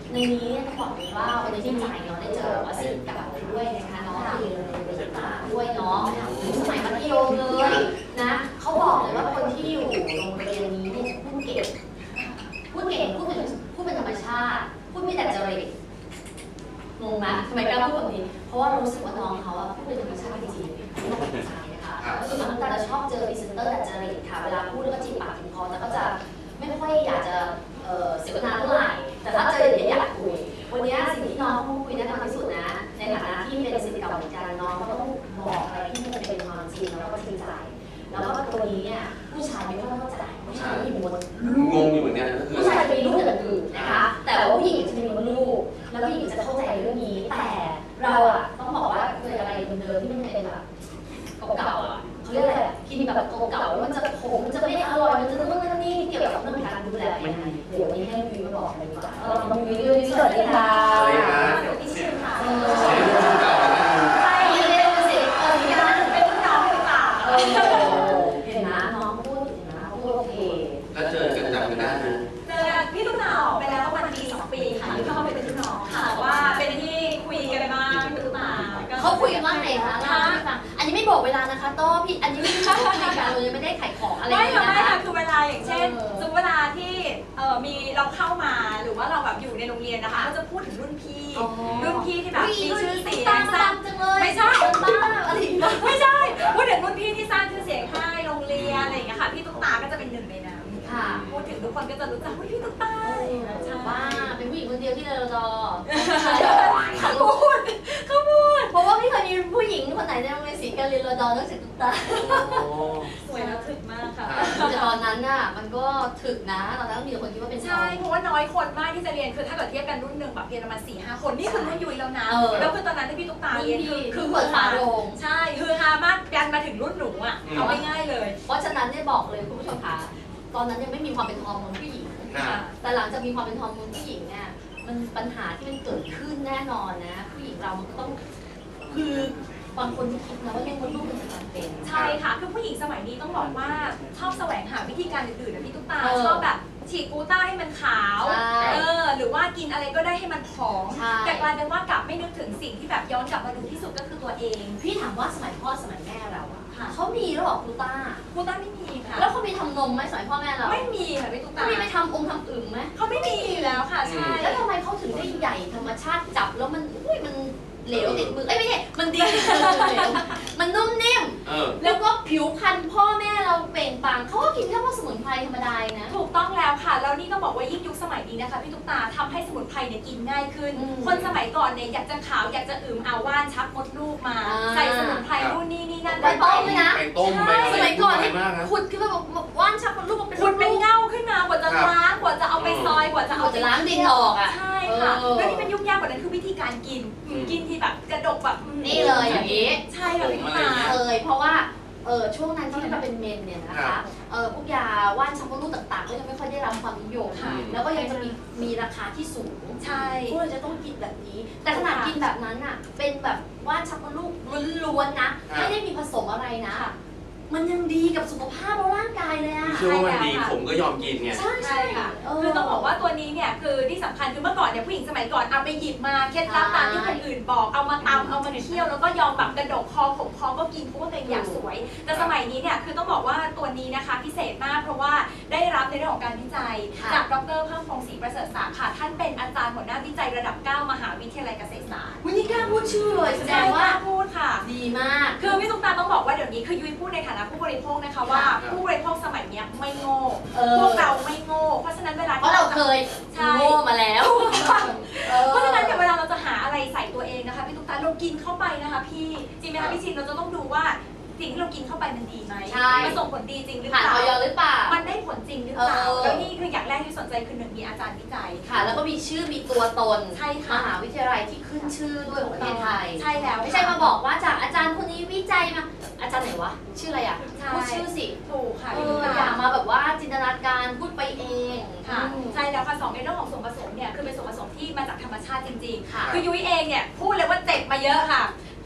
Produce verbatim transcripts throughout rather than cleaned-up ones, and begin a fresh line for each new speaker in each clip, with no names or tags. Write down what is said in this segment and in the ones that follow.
ในนี้ต้องบอกเลยว่าวันนี้ที่จ่ายเนาะได้เจอว่าสิทธิ์เก่าด้วยนะคะน้องเรียนในศึกษาด้วยเนาะสมัยมัธยมเลยนะเขาบอกเลยว่าคนที่อยู่โรงเรียนนี้เนี่ยพูดเก่งพูดเก่งพูดเป็นพูดเป็นธรรมชาติพูดไม่แต่จริตงงไหมทำไมกล้าพูดแบบนี้เพราะว่ารู้สึกว่าน้องเขาอะพูดเป็นธรรมชาติจริงๆไม่ต้องเป็นใจนะคะส่วนน้องตาจะชอบเจอพรีเซนเตอร์แต่จริตค่ะเวลาพูดแล้วก็จีบปากจีบคอแล้วก็จะไม่ค่อยอยากจะเสวนาเท่าไหร่แต่ถ้าเจออย่างนี้อยากคุยวันนี้สิ่งที่น้องเขาคุยแน่นอนที่สุดนะในฐานะที่เป็นศิษย์เก่าเหมือนกันน้องก็ต้องบอกอะไรที่มันเป็นความจริงแล้วก็จริงใจแล้วก็ตัวนี้เนี่ยผู้ชายไม่ค่อยเข้าใจผู้ชายไม่มีมด
งงอยู่เหมือนกัน
ผู้ชายจะมีลูกอย่างอื่นนะคะแต่ว่าผู้หญิงจะมีมดลูกแล้วผู้หญิงจะเข้าใจเรื่องนี้แต่เราอ่ะต้องบอกว่าเคยอะไรเดิมๆที่มันเป็นแบบเก่าๆอ่ะเขาเรียกอะไรกินแบบเก่าๆมันจะขมมันจะไม่อร่อยมันจะต้องนั่นนี่เกี่ยวกับเรื่องการดูแลยังไงเดี๋ยวนี้ให้วิวมาบอกเลยดีกว่าเออวิววิวสวัสดีค่ะ
สวัสดีค่ะ
ที่ชื่อค่ะเออ
ใช่
เร็วสิเออนี่นะเป็นรุ่นน้องหรือเปล่าเออเห็นนะน้องพูดเห็นนะพูดโอเค
แล้วเจอกันจำกันได้ไหม
เจอกันพี่ตุ้มหนาวไปแล้วประมาณปีสองปีค่ะที่เข้ามาเป็นรุ่นน้องค่ะว่าเป็นที่คุยกันมาพี่ตุ้มหนาว
เขาคุยกันว่าไงคะเล่าให้ฟังอันนี้ไม่บอกเวลานะคะโต้พี่อันนี้ไม่ใช่คุยกันเลยไม่ได้ขายของอะไร
ไม่ค่ะไม่ค่ะคือเวลาอย่างเช่นสมมติเวลาที่เอ่อมีเราเข้ามาหรือว่าเราแบบอยู่ในโรงเรียนนะคะก็จะพูดถึงรุ่นพี่รุ่นพี่ที่แบบมีชื่อเสียงสร้าง
จังเลย
ไม่ใช่
บ้าอะไร
ไม่ใช่พูดถึงรุ่นพี่ที่สร้างชื่อเสียงให้โรงเรียนอะไรอย่างเงี้ยค่ะพี่ตุ๊กตาก็จะเป็นหนึ่งในนั้นค่ะพูดถึงทุกคนก็จะรู้จักพี่ตุ๊กตา
ว่าเป็นผู้หญิงคนเดียวที่เรารอ
เขาพูดเขาพูด
เพราะว่าไม่เคยมีผู้หญิงคนไหนในโรงเรียนศรีการเรียนรอดอนอกจากตุ๊กตา
สวยแล้วถึกมากค่ะ
แต่ตอนนั้นน่ะมันก็ถึกนะตอนนั้นมีคนคิดว่าเป็น
ใช่เพราะว่าน้อยคนมากที่จะเรียนคือถ้าเกิดเทียบกันรุ่นหนึ่งแบบเรียนประมาณสี่ห้าคนนี่คือรุ่นยุ้ยแล้วนะแล้วคือตอนนั้นที่พี่ตุ๊กตาเรียนคือ
คือเปิดฝาโรง
ใช่คือฮามากยันมาถึงรุ่นหนูอ่ะเอาง่ายๆเลย
เพราะฉะนั้นเนี่ยบอกเลยคุณผู้ชมคะตอนนั้นยังไม่มีความเป็นฮอร์โมนผู้หญิงแต่หลังจากมีความเป็นฮอร์โมนผู้หญิงเนี่ยมันปัญหาที่มันเกิดขึ้นแน่นอนนะผู้หญิงเรามันก็ต้องคือบางคนที่คิดนะว่าเลี้ยงมดลูกเป็นจำเป็น
ใช่ค่ะคือผู้หญิงสมัยนี้ต้องบอกว่าชอบแสวงหาวิธีการอื่นๆนะพี่ตุ๊กตาชอบแบบฉีดกูต้าให้มันขาวเออหรือว่ากินอะไรก็ได้ให้มันผอมแต่กลายเป็นว่ากลับไม่นึกถึงสิ่งที่แบบย้อนกลับมาดูที่สุดก็คือตัวเอง
พี่ถามว่าสมัยพ่อสมัยแม่เราอะเขามีหรือเปล่ากูต้า
กูต้าไม่มีค่ะ
แล้วเขามีทำนมไหมสมัยพ่อแม่เรา
ไม่มีค่ะพี่ตุ๊กตา
เขามีไปทำองค์ทำอึ่งไหม
เขาไม่มีอยู่แล้วค่ะใช่
แล้วทำไมเขาถึงได้ใหญ่ธรรมชาติจับแล้วมันอุ้ยมันเหลวติดมือเอ้ยไม่ใช่มันดีมันนุ่มนิ่มแล้วก็ผิวพรรณพ่อแม่เราเปล่งปลั่งเขาก็กินแค่พวกสมุนไพรธรรมดานะ
ถูกต้องแล้วค่ะแล้วนี่ต้องบอกว่ายิ่งยุคสมัยนี้นะคะพี่ตุ๊กตาทำให้สมุนไพรเนี่ยกินง่ายขึ้นคนสมัยก่อนเนี่ยอยากจะขาวอยากจะอึมเอาว่านชักมดลูกมาใส่สมุนไพรนู่นนี่นี่นั่น
ไปต้มเลยนะ
ไปต้มไป
สมัยก่อนขุดขึ้นมาบอกว่านชักมดลูกเป็น
ขุดเป็นเง่าขึ้นมากว่าจะล้างกว่าจะเอาไปซอยกว่าจะเอา
จะล้างดินออกอ่ะ
ใช่ค่ะแล้วนี่เป็นยุ่งยากกว่านั้นคือวิธีการกินกินที่แบบกระดกแบบ
นี่เลยอย่างนี้
ใช่ค่ะพี่ตุ๊กตา
เลยเพราะว่าเออช่วงนั้นที่มันเป็นเมนเนี่ยนะคะเออพวกยาว่านชักมดลูกต่างๆก็ยังไม่ค่อยได้รับความนิยมแล้วก็ยังจะมีมีราคาที่สูง
ใช่
พวกเราจะต้องกินแบบนี้แต่ขนาดกินแบบนั้นอ่ะเป็นแบบว่านชักมดลูกล้วนๆนะไม่ได้มีผสมอะไรนะมันยังดีกับสุขภาพและร่างกายเลยอ่ะ
เชื่อว่ามันดีผมก็ยอมกินไง
ใช่ใช่ค่ะ
คือต้องบอกว่าตัวนี้เนี่ยคือที่สำคัญคือเมื่อก่อนเนี่ยผู้หญิงสมัยก่อนเอาไปหยิบมาเคล็ดลับตามที่คนอื่นบอกเอามาตำเอามาเคี่ยวแล้วก็ยอมแบบกระดกคอขมคอก็กินเพราะว่าตัวเองอยากสวยแต่สมัยนี้เนี่ยคือต้องบอกว่าตัวนี้นะคะพิเศษมากเพราะว่าได้รับในเรื่องของการวิจัยจากดร.เพิ่มพงศ์ศรีประเสริฐศักดิ์ค่ะท่านเป็นอาจารย์หัวหน้าวิจัยระดับเก้ามหาวิทยาลัยเกษตรศาสตร์
วันนี้กล้าพูดชื่อเลยแสดงว่า
พูดค่ะ
ดีมาก
คือพี่ตุ๊กตาต้องบอกว่าเดี๋ยวนี้คือยุ้ยพูดในฐานะผู้บริโภคนะคะว่าผู้บริโภคสมัยนี้ไม่โง่พวกเราไม่โง่เพราะฉะนั้นเวลา
เพราะเราเคยโง่มาแล้ว
เพราะฉะนั้นเวลาเราจะหาอะไรใส่ตัวเองนะคะพี่ตุ๊กตาเรากินเข้าไปนะคะพี่จริงไหมคะพี่ชินเราจะต้องดูว่าสิ่งที่เรากินเข้าไปมันดีไหมมันส่งผลดีจริงหรือเปล่า
ผ่านออยหรือเปล่า
มันได้ผลจริงหรือเปล่าแล้วนี่คืออย่างแรกที่สนใจคือหนึ่งมีอาจารย์วิจัย
ค่ะแล้วก็มีชื่อมีตัวตน
ใช่ค่ะ
มหาวิทยาลัยที่ขึ้นชื่อด้วยของประเทศไทย
ใช่แล้ว
ไม่ใช่มาบอกว่าจากอาจารย์คนนี้วิจัยมาอาจารย์ไหนวะชื่ออะไรอ่ะพูดชื่อสิ
ถูกค่ะ
อย่ามาแบบว่าจินตนาการพูดไปเอง
ค่ะใช่แล้วค่ะสองในเรื่องของส่วนผสมเนี่ยคือเป็นส่วนผสมที่มาจากธรรมชาติจริงๆคือยุ้ยเองเนี่ยพูดเลยว่าเจ็บมาเยอะค่ะข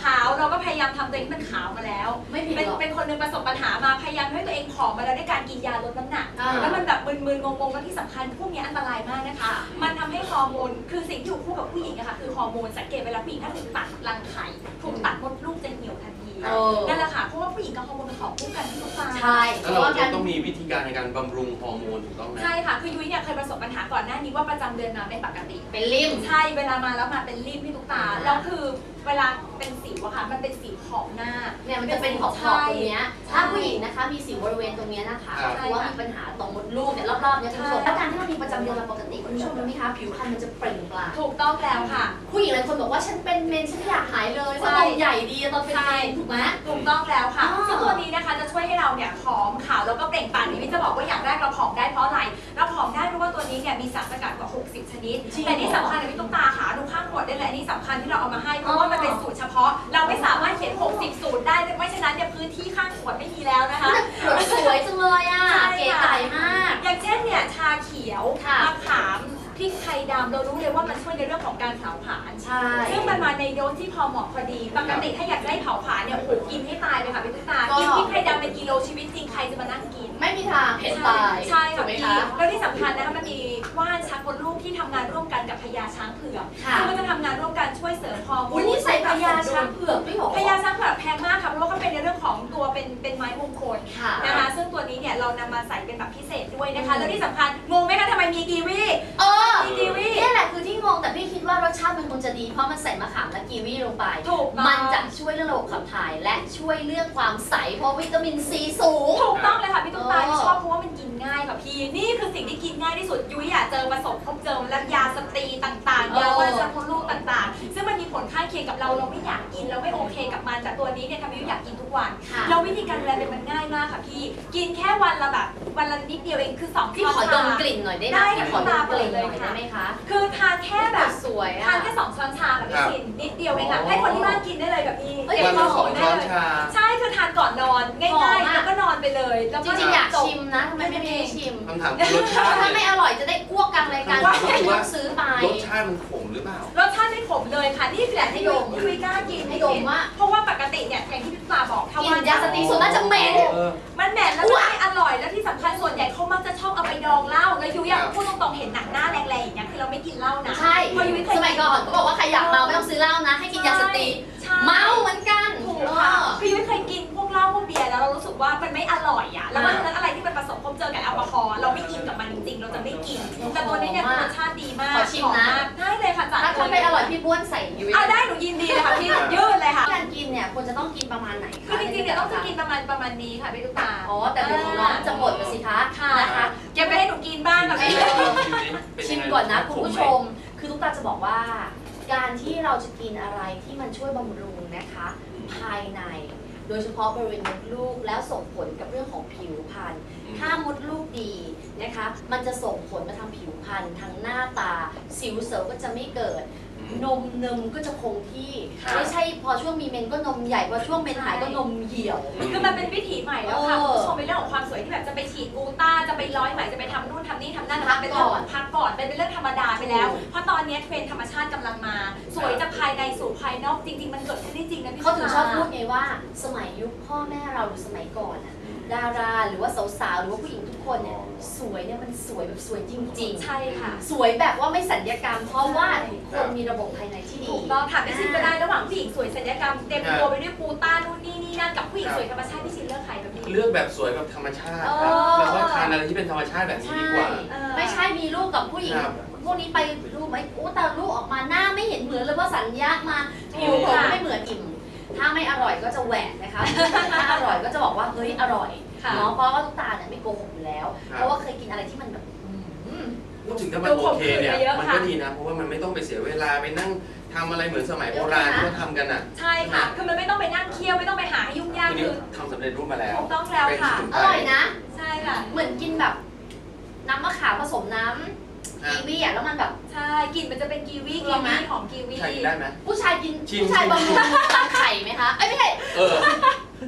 าวเราก็พยายามทำตัวเองให้มันขาวมาแล้ว
ไม่ผิด
เป็น
หรอก
เป็นคนหนึงประสบปัญหามาพยายามให้ตัวเองผอมมาแล้วด้วยการกินยาลดน้ำหนัก
อ่า
แล้วมันแบบมึนๆงงๆแล้วที่สำคัญพวกนี้อันตรายมากนะคะ มันทำให้ฮอร์โมนคือสิ่งที่อยู่คู่กับผู้หญิงอะค่ะคือฮอร์โมนสังเกตเวลาผู้หญิงถ้าถูกตัดรังไข่ถูกตัดมดลูกจะเหี่ยวทันที
เออ
นั่นแหละค่ะเพราะว่าผู้หญิงกับฮอร์โมนเป็นของคู่กันที่ทุกฝ่าย
ใช่
แล้วเราจะต้องมีวิธีการในการบำรุงฮอร์โมนถูกต้องไหม
ใช่ค่ะคือยุ้ยเนี่ยเคยประสบปัญหาก่อนหน้านี้ว่าประจำเดือนมาไม่ปกติ
เป็นริม
ใช่เวลามาแล้วมาเป็นริมพี่ตุ๊กตา
อ่า
แล้วคือเวลาเป็นสิวอะค่ะมันเป็นสิวขอบหน้า
เนี่ยมันจะเป็นขอบๆตรงเนี้ยถ้าผู้หญิงนะคะมีสิวบริเวณตรงเนี้ยนะคะ
ครับ
เพราะว่ามีปัญหาตรงมดลูกเนี่ยรอบๆเนี่ยคุณผู้ชมแล้วการที่เรามีประจำเดือนเราปกติคุณผู้ชมรู้ไหมคะผิวพรรณมันจะเปล่งปลั่ง
ถูกต้องแล้วค่ะ
ผู้หญิงหลายคนบอกว่าฉันเป็นเมนฉันไม่อยากหายเลยว่า
ใช่
นมใหญ่ดีตอนเป็นเมนถูกไหม
ถูกต้องแล้วค่ะ
อ๋อ
ซึ่งตัวนี้นะคะจะช่วยให้เราเนี่ยผอมขาวแล้วก็เปล่งปลั่งนี่จะบอกว่าอย่างแรกเราผอมได้เพราะอะไรเราผอมได้เพราะว่าตัวนี้เนี่ยมีสารสกัดกว่าหกสิบชนิดแต่ที่สำคัญเลยพี่ตุ๊กตาค่ะดูข้างขวดได้เลยอันนี้สำคัญที่เราเอามาให้เพราะว่ามันเป็นสูตรเฉพาะ เราไม่สามารถเขียนหกสิบสูตรได้ไม่ฉะนั้นเนี่ยพื้นที่ข้างขวดไม่มีแล้วนะคะ
ขวดสวยจังเลยอ่ะ
ใช่
เก๋
ค่ะ
ไก่มาก
อย่างเช่นเนี่ยชาเขียว
ค่ะ
มะขามพริกไทยดำเรารู้เลยว่ามันช่วยในเรื่องของการเผาผลาญ
ใช่
ซึ่งมันมาในโดสที่พอเหมาะพอดี ปกติถ้าอยากได้เผาผลาญเนี่ยโอ้โหกินให้ตายเลยค่ะพี่ตุ๊กตา
ก็
กินพริกไทยดำเป็นกิโลชีวิตจริงใครจะมานั่งกิน
ไม่มีทางเผ็ดตาย
ใช่
ถู
ค่ะ
กไหม
พี่
คะ
แล้วที่สำคัญนะคะมันมีว่านชักมดลูกที่ทำงานร่วมกันกับพญาช้างเผือก
ค่ะ
ซึ่งมันจะทำงานร่วมกันช่วยเสริมฮอร์โม
อุ้ย
น
นี่ใส่พญาช้างเผือกด้วยเหรอ
พญาช้างเผือกแพงมากค่ะเพราะว่าเขาเป็นในเรื่องของตัวเป็นเป็นไม้มงคล
ค่ะ
นะคะซึ่งตัวนี้เนี่ยเรานำมาใส่เป็นแบบพิเศษด้วยนะคะ แล้วที่สำคัญงงไหมคะทำไมมีกีวี
เออ
มีกีวี
นี่แหละคือที่งงแต่พี่คิดว่ารสชาติมันคงจะดีเพราะมันใส่มะขามและกีวีลงไป
ถูกต้อง
มันจะช่วยเรื่องระบบขับถ่ายและช่วยเรื่องความใสเพราะวิตามินซีสูง
ถูกต้องเลยค่ะพี่ตุ๊กตา
เออ
ที่ชอบเพราะว่ามันกินง่ายค่ะพี่นี่คือสิ่งที่กินง่ายที่สุดยุ้ยอยากเจอประสบพบเจอแล้วยาสตรีต่างๆยาว่าจะพดลูกต่างๆ ซึ่งมันมีผลข้างเคียงกับเราเราไม่อยากกินเราไม่โอเคกับมันแต่ตัวนี้เนี่ยทำให้ยุ้ยอยากกินทุกวัน
ค่ะ
เราวิธีการดูแลเป็นมันง่ายมากค่ะพี่กินแค่วันละแบบวันละนิดเดียวเองคือสอง
พี่
ช้อน
ขอด
ชาม
กลิ่นหน่อยได้ไหม
ได้
พี่
ค่ะ
ขอดมกลิ่นห
เล
น่อย ย
ค่ะ
ได้ไหมคะ
คือทานแค่แบบ
สวย
ทา
อ่ะ
นแค่สองช้อนชาค่ะพี่
ครับ
ชินนิดเดียวเองค่ะให้คนที่บ้านกินได้เลยแบบนี้
เอ้ย
เตรีย
วั
ม
น
มา
ละ
โห
สอง
ได้
ช้อน
เลย
ชา
ใช่คือทานก่อนนอน
หอ
ง่าย
ม
ๆ
อะ
แล้วก็นอนไปเลยแล้ว
จ
ก็
ริงๆอยาก
จบ
ชิมนะทำไมไม่ได้ชิม
คำถามคือรสชาติ
ถ้าไม่
เนี่ย
อร่อยจะได้อ้วกกลางรายการ
ว่า
ไม่ต้องซื้อไป
รสชาติมันขมหรือเปล่า
รสชาติไม่ขมเลยค่ะนี่แหละที่ยุ้ยยุ้ยกล้ากิน
ให้ดมว่า
เพราะว่าปกติเนี่ยอย่างที่พี่ปลาบอกถ้า
กิ
ว่าน
ยาสตรีส่วนมากจะเหม็น
เออ
มันแหม่แล้วมันไม่อร่อยแล้วที่สำคัญส่วนใหญ่เขามักจะชอบเอาไปดองเหล้าแล้วยุ้ยอยาก
ครับ
พูดตรงๆเห็นหนังหน้าแรงๆอย่างเงี้ยคือเราไม่กินเหล้านะ
ใช่
เพราะยุ้ยเคย
สมัยก่อนก็บอกว่าใครอยากเมาไม่ต้องซื้อเหล้านะ ให้กินยาสตรี
ใช่
เมาเหมือนกัน
ถูก
เอ
ค่ะ
อ
คือยุ้ยเคยกินพวกเหล้าพวกเบียร์แล้วเรารู้สึกว่ามันไม่อร่อยอ่ะแล้วเพราะฉะนั้นอะไรที่มันผสมพบเจอกับแอลกอฮอล์เราไม่กินกับมันจริงๆเราจะไม่กินแต่ตัวนี้เนี่ยคือรสชาติดีมาก
ขอชิมนะ
หอากได้เลยค่ะจัด
ถ้าถ้าไม่อร่อยพี่บ้วนใส่ยุ้ย
อ่ะได้หนูยินดีเลยค่ะพี่ยืดเลยค่ะ
การกินเนี่ยควรจะต้องกินประมาณไหนคะ
คือจริงๆเนี่ยต้องจะกินประมาณประมาณนี้ค่ะพี่ตุ๊กตา
อ๋อแต่เดี๋ยวของน้องจะหมดไปสิคะ
ค่ะ
นะคะ
เก็บไปให้หนูกินบ้างค่ะพี่
ชิมก่อนนะคุณผู้ชม คือทุกตาจะบอกว่า การที่เราจะกินอะไรที่มันช่วยบำรุงนะคะ ภายใน โดยเฉพาะบริเวณมดลูกแล้วส่งผลกับเรื่องของผิวพรรณ ถ้ามดลูกดีนะคะ มันจะส่งผลมาทางผิวพรรณทางหน้าตา สิวเซลล์ก็จะไม่เกิด นมเนมก็จะคงที่
ครับ
ไม่ใช่พอช่วงมีเมนก็นมใหญ่ พอช่วงเมนหายก็นมเหี่ยว
คือมันเป็นวิถีใหม่แล้วค่ะ
เออ
คุณผู้ชมเป็นเรื่องของความสวยที่แบบจะไปฉีดกูต้าจะไปร้อยไหมจะไปทำนู่นทำนี่ทำนั่น
พั
นะ
ก
เป็น
ก่
เรื่อง
อน
ของพักก่อนเป็นเรื่องธรรมดาไปแล้ว
ถูก
เพราะตอนนี้เทรนด์ธรรมชาติกำลังมา สวยจากภายในสู่ภายนอกจริง ๆ มันเกิดขึ้นได้จริงนะพี่
เขาถึงชอบพูด
ตุ๊กต
ไงว่า สมัยยุคพ่อแม่เราหรือสมัยก่อนอะดาราหรือว่าสาวๆหรือว่าผู้หญิงทุกคนเนี่ยสวยเนี่ยมันสวยแบบสวยจริง
าใช่ค่ะ
ๆ สวยแบบว่าไม่สัญญกรรม เพราะว่าทุกคนมีระบบภายในที่ดี
ถูกต้องถามพี่ชินก็ได้ระหว่างผู้หญิงสวยศัลยกรรมเต็มตัวไปด้วยกูต้านู่นนี่นี่นั่นกับผู้หญิงสวยธรรมชาติพี่ชินเลือกใครแบบนี้
เลือกแบบสวยแบบธรรมชาติ
เอ
ครับ
อ
แล้วก็ทานอะไรที่เป็นธรรมชาติแบบนี้
ใช่
ดีกว่า
เออ
ไม่ใช่มีลูกกับผู้หญิง
ครับ
พวกนี้ไปรูปไหมอู้แต่ลูกออกมาหน้าไม่เห็นเหมือนเลยว่าสัญญามาผิวผม
ค่ะ
ไม่เหมือนอิ่ม ถ้าไม่อร่อยก็จะแหวกนะคะ ถ้าอร่อยก็จะบอกว่าเฮ้ยอร่อย
ค่ะ
เนาะเพราะว่าทุกตาเนี่ยไม่โกหกอยู่แล้ว
ครับ
เพราะว่าเคยกินอะไรที่มันแบบอืม
พูดถึงถ้ามันโอเคเนี่ย มันก็ดีนะ เพราะว่ามันไม่ต้องไปเสียเวลาไปนั่งทำอะไรเหมือนสมัยโบราณที่เขาทำกันอ่ะ
ใช่ค่ะ คือมันไม่ต้องไปนั่งเคี่ยวไม่ต้องไปหาให้ยุ่งยาก
ทีนี้
คือ
ทำสำเร็จรูปมาแล้ว
ถูกต้องแล้วค่ะ
เป็นสมุน
อ
ไพ
ร่อยนะ
ใช่ค่ะ
เหมือนกินแบบน้ำมะขามผสมน้ำกีวีอ่ะแล้วมันแบบ
ใช่กลิ่นมันจะเป็นกีวี
ล
กี
องไหม
วีของกีวี
ใช่กินได้ไหม
ผู้ชายกิน
ชิม
ผู้ชายบำรุงตามไข่ไหมคะเอ้ยไม่ใช่
เออ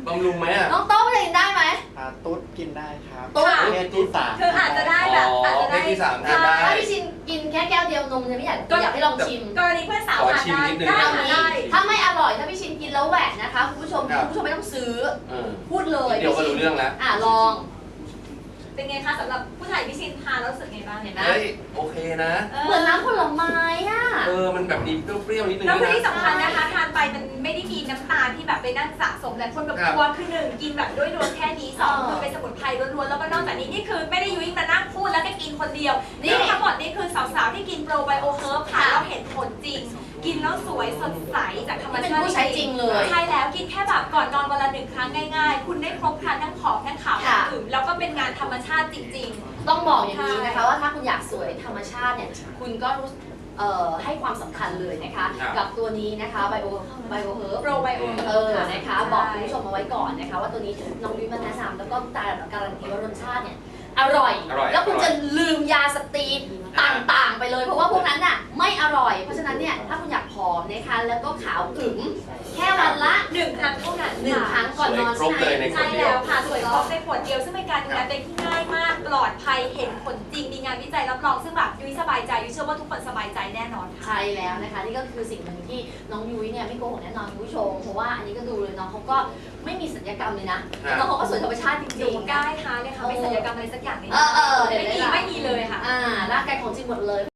บำรุงไหมอ่ะ
น้องโต้จะกินได้ไหม
อ่าตุ๊ดกินได้ครับ
ตุ๊ด
เพศที่สาม
คืออาจจะได้แบบอาจจะได้
เพศที่สามทานได้
ถ้าพี่ชินกินแค่แก้วเดียวนมจะไม่อยากอยากให้ลองชิม
กรณีเพื่อนสาว
ขอ
ทาน
ชิม
ได้
นิดนึง
ได้
เอา
ค่ะ
งี้
ได้
ถ้าไม่อร่อยถ้าพี่ชินกินแล้วแหวกนะคะคุณผู้ชม
ครับ
คุณผู้ชมไม่ต้องซื้อ
เออ
พูดเลย
เดี๋ยวก็รู้เรื่องแล้ว
อ่ะลอง
เป็นไงคะสำหรับผู้ชายพี่ชินทานแล้วรู้สึกไงบ้าง
เห็นไหม
เฮ้ยโอเคนะ
เหมือนน้ำผลไม้อ่ะ
เออมันแบบมีเปรี้ยวๆนิดนึง
แล้วคือ
นะ
ที่สำคัญนะคะทานไปมันไม่ได้มีน้ำตาลที่แบบไปนั่งสะสมหลายคนแบบ
ครับ
กลัวคือหนึ่งกินแบบด้วยรวมแค่นี้สอง
เออ
คือเป็นสมุนไพรล้วนๆแล้วก็นอกจากนี้นี่คือไม่ได้ยุ้ยมานั่งพูดแล้วก็กินคนเดียว
นี่
นี่ทั้งหมดนี่คือสาวๆที่กินโปรไบโอเฮิร์บค่ะ
ค่ะ
แล้วเห็นผลจริง กินแล้วสวยสดใสจากธรรม
เป็น
ชาติ
ผู้ใช้จริงเลย
ใช่แล้วกินแค่แบบก่อนนอนวันละหนึ่งครั้งง่ายๆ คุณได้ครบครันทั้งขอบทั้งขาวทั้ง
ค่ะ
อื่นแล้วก็เป็นงานธรรมชาติจริง
ต้องบอกอย่างนี้นะคะ
ใช่
ว่าถ้าคุณอยากสวยธรรมชาติเนี่ยคุณก็รู้เอ่อให้ความสำคัญเลยนะคะ
ครับ
กับตัวนี้นะคะไบโอไบโอเฮิร์บ
ๆ โปรไบโอ
เออนะคะ บอกคุณผู้ชมเอาไว้ก่อนนะคะ ว่าตัวนี้น้องยุ้ยมาแนะนำแล้วก็การันตีว่ารสชาติเนี่ยอร่อย
อร่อย
แล้วคุณ
อร่อย
จะลืมยาสตีนต่างๆ ไปเลย เพราะว่าพวกนั้นน่ะไม่อร่อย เพราะฉะนั้นเนี่ยถ้าคุณอยากผอมนะคะแล้วก็ขาวอึ๋มแค่วันละ
หนึ่งครั้งเท่านั้น
หนึ่งครั้งก่อนนอน
สวยครบเลยใน
ใช่แล้วค่ะสวยครบในขวดเดียวซึ่งเป็นการดูแลตัวเองที่ง่ายมากปลอดภัยเห็นผลจริงมีงานวิจัยรับรองซึ่งแบบยุ้ยสบายใจยุ้ยเชื่อว่าทุกคนสบายใจแน่นอนค่ะ
ใช่แล้วนะคะนี่ก็คือสิ่งหนึ่งที่น้องยุ้ยเนี่ยไม่โกหกแน่นอนคุณผู้ชมเพราะว่าอันนี้ก็ดูเลยน้องเขาก็ไม่มีสัญญกรรมเลยนะน้องเขาก็สวยธรรมชาติจ
หนู
ริงๆ
กล้า
นะ
ท้าเลยค่ะไม่ศัลยกรรมอะไรสักอย่างเลย
เออเออเดี๋ยว
ไม่มี
ได้ละ
ไม่มีเลยค่ะ
อ่าร่างกายของจริงหมดเลย